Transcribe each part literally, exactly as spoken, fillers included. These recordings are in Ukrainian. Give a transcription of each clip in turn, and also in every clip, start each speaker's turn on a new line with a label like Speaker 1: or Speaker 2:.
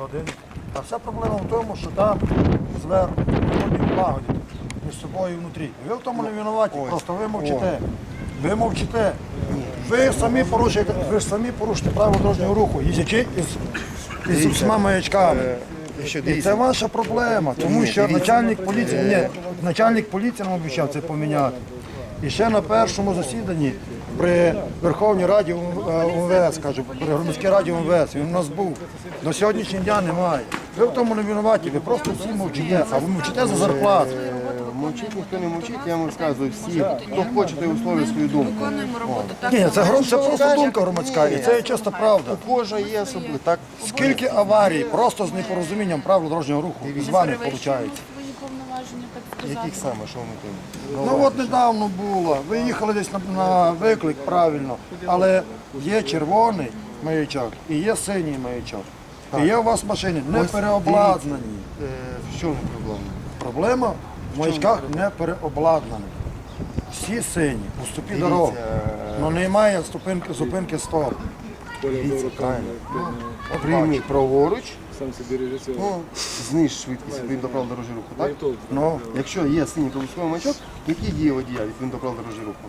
Speaker 1: один. А вся проблема в тому, що там зверху вони лагодять між собою внутрі. Ви в тому не винуваті, просто ви мовчите. Ви мовчите. Ви самі порушуєте, ви ж самі порушуєте правила дорожнього руху, їздячи із, із усіма маячками. І це ваша проблема, тому що начальник поліції, ні, начальник поліції нам обіцяв це поміняти. І ще на першому засіданні при Верховній Раді УМВС, кажу, при громадській раді УМВС, він у нас був. До сьогоднішнього дня немає. Ви в тому не винуваті, ви просто всі мовчите, а ви мовчите за зарплату.
Speaker 2: Мовчить ніхто не мовчить, я вам розказую всі, хто хоче, той висловлює свою думку.
Speaker 3: Виконуємо роботу так.
Speaker 1: Ні, це, гром- це просто думка громадська, і це є чиста правда.
Speaker 2: У кожного є особливо. Так,
Speaker 1: Скільки аварій просто з непорозумінням правил дорожнього руху з вами виходить?
Speaker 3: Свої повноваження, так сказати.
Speaker 2: яких саме, що ми тут?
Speaker 1: Ну от недавно було, ви їхали десь на, на виклик правильно, але є червоний маячок і є синій маячок. І є у вас машини не переобладнані.
Speaker 2: Е, В чому проблема?
Speaker 1: Проблема в маячках не переобладнані. Всі сині, у стопі дороги. Але немає зупинки, зупинки стоп.
Speaker 2: Дивіться, правильно. Прийміть праворуч,
Speaker 4: Сам собі режисер.
Speaker 2: ну, зниж швидкість відповідно до правил дорожнього руху, так?
Speaker 1: Ну,
Speaker 2: Якщо є синій проблисковий маячок, які дії водія відповідно до правил дорожнього руху?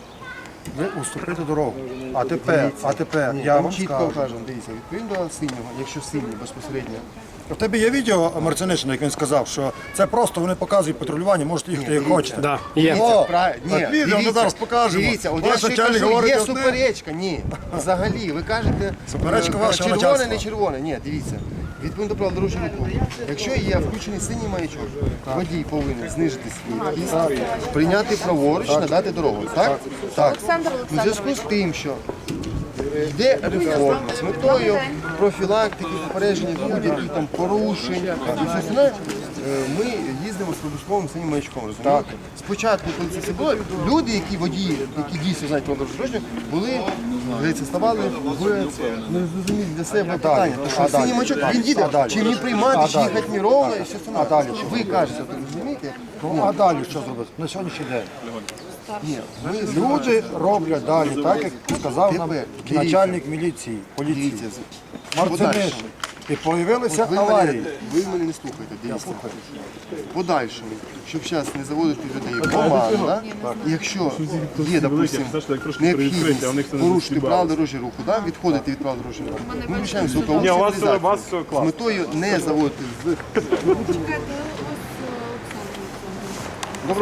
Speaker 1: ви уступите дорогу. А тепер, а тепер
Speaker 2: Ні,
Speaker 1: я
Speaker 2: там
Speaker 1: вам
Speaker 2: чітко
Speaker 1: скажу.
Speaker 2: кажемо, дивіться, відповідно до синього, якщо синій безпосередньо.
Speaker 1: У тебе є відео Марцинишина, як він сказав, що це просто вони показують патрулювання, можете їхати як хочете.
Speaker 5: Да, є.
Speaker 1: О,
Speaker 2: Правильно. Ні,
Speaker 1: так відео ми зараз покажемо.
Speaker 2: Дивіться, от
Speaker 1: Ваш
Speaker 2: я ще
Speaker 1: начальник
Speaker 2: кажу,
Speaker 1: говорить
Speaker 2: є
Speaker 1: одне.
Speaker 2: суперечка. Ні, взагалі, ви кажете,
Speaker 1: Суперечка
Speaker 2: е,
Speaker 1: вашого
Speaker 2: червоне,
Speaker 1: начальства.
Speaker 2: не червоне. Ні, дивіться, відповідно до правил дорожнього руху. Якщо є включений синій маячок, водій повинен знижити швидкість, прийняти праворуч, надати дорогу. Так? Так.
Speaker 3: Олександр
Speaker 2: У зв'язку з тим, що йде реформа з метою профілактики, попередження будь-яких там порушень і все остальне, е, ми їздимо з проблисковим синім маячком, розумієте? Спочатку, коли це все було, люди, які водії, які дійсно знають про дорожню, були, здається, ставали в незрозумілі для себе питання. Тому що
Speaker 1: А далі?
Speaker 2: синій маячок, він їде,
Speaker 1: А далі?
Speaker 2: чи мені приймати,
Speaker 1: А
Speaker 2: чи
Speaker 1: далі?
Speaker 2: їхати мені ровно, і все остальне.
Speaker 1: А далі?
Speaker 2: Ви кажете, так розумієте?
Speaker 1: Ну, а далі що зробити? На сьогоднішній день.
Speaker 2: Ні, ми
Speaker 1: Люди роблять далі, так як сказав нам
Speaker 2: Тепер, дивіться.
Speaker 1: начальник міліції, поліції.
Speaker 2: дивіться,
Speaker 1: Марцинишин. І появилися
Speaker 2: ви
Speaker 1: аварії.
Speaker 2: мене, ви мене не слухаєте, дивіться. В подальшому, щоб зараз не заводити людей в оману, да? якщо є, допустимо, необхідність порушити правила дорожнього руху, да? відходити від правил дорожнього руху, ми включаємо звукову
Speaker 4: Ні, у вас, у
Speaker 2: сигналізацію
Speaker 4: вас все
Speaker 2: з
Speaker 4: класно.
Speaker 2: метою не заводити в